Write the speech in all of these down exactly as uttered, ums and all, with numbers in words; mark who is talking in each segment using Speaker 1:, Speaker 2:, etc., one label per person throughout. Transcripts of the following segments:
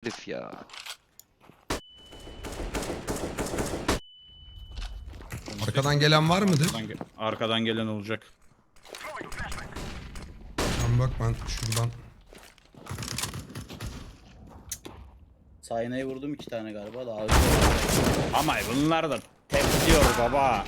Speaker 1: herif ya.
Speaker 2: Arkadan gelen var mıdır?
Speaker 3: Arkadan, ge- arkadan gelen olacak.
Speaker 2: Tamam bak ben şuradan.
Speaker 4: Sayna'yı vurdum iki tane galiba da ağzı.
Speaker 3: Ama bunlar da tepliyor baba.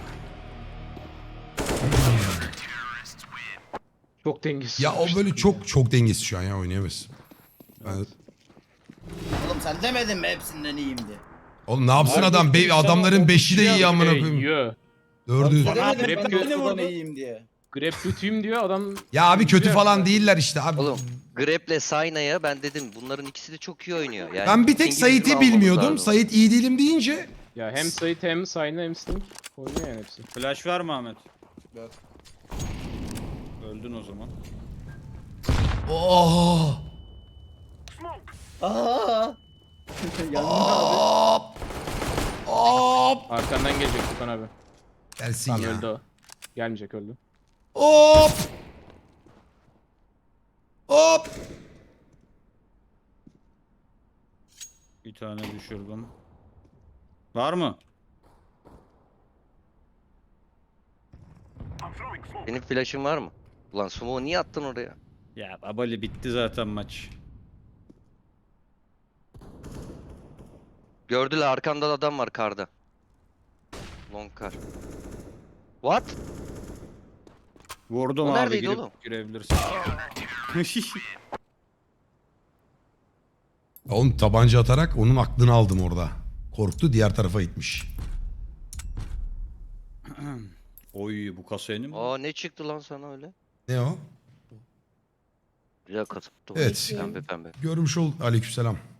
Speaker 5: Çok dengesiz.
Speaker 2: Ya o böyle çok çok dengesiz şu an ya, oynayamaz. Ben...
Speaker 4: Oğlum sen demedin mi hepsinden iyiyim diye?
Speaker 2: Oğlum ne yapsın
Speaker 3: Harbi
Speaker 2: adam? Be
Speaker 3: insan
Speaker 2: adamların
Speaker 3: o
Speaker 2: beşi de iyi
Speaker 5: Şey,
Speaker 2: amına koyayım.
Speaker 5: yiyor.
Speaker 2: Dördü.
Speaker 4: Sen demedin
Speaker 5: grep
Speaker 4: ben
Speaker 5: göğsü
Speaker 4: beni vurdun
Speaker 5: falan-
Speaker 4: iyiyim diye.
Speaker 5: Grab kötüyüm diyor adam.
Speaker 2: Ya abi kötü
Speaker 5: Yiyor
Speaker 2: falan
Speaker 5: ya.
Speaker 2: değiller işte abi.
Speaker 1: Oğlum Grep'le Sayna'ya ben dedim bunların ikisi de çok iyi oynuyor. Yani
Speaker 2: Ben bir tek
Speaker 1: İngiliz'i
Speaker 2: Sait'i
Speaker 1: almamız
Speaker 2: bilmiyordum.
Speaker 1: lazım.
Speaker 2: Sait iyi değilim deyince.
Speaker 5: Ya hem Sait hem Sayna hem Sting oynuyor yani hepsi.
Speaker 3: Flash var mı Ahmet?
Speaker 4: Yok.
Speaker 3: Öldün o zaman.
Speaker 2: Oh.
Speaker 4: Aa! Yanında abi.
Speaker 2: Hop. Hop.
Speaker 5: Arkandan gelecek Tukan abi.
Speaker 2: Gelsin
Speaker 5: Tamam
Speaker 2: ya.
Speaker 5: öldü o. Gelmeyecek öldü.
Speaker 2: Hop. Hop.
Speaker 3: Bir tane düşürdüm. Var mı?
Speaker 1: Benim flash'ım var mı? Ulan Sumo niye attın oraya?
Speaker 3: Ya babali bitti zaten maç.
Speaker 1: Gördüler arkamda da adam var karda. Long kar. What?
Speaker 3: Vurdum
Speaker 1: O
Speaker 3: abi,
Speaker 1: neredeydi
Speaker 3: girip
Speaker 1: oğlum?
Speaker 3: girebilirsin.
Speaker 2: Oğlum tabanca atarak onun aklını aldım orada. Korktu, diğer tarafa gitmiş.
Speaker 3: Oy bu kasa yeni mi?
Speaker 1: Aa ne çıktı lan sana öyle?
Speaker 2: Ne o?
Speaker 1: Güzel kasıptı.
Speaker 2: Evet.
Speaker 1: Pembe pembe.
Speaker 2: Görmüş ol. Aleykümselam.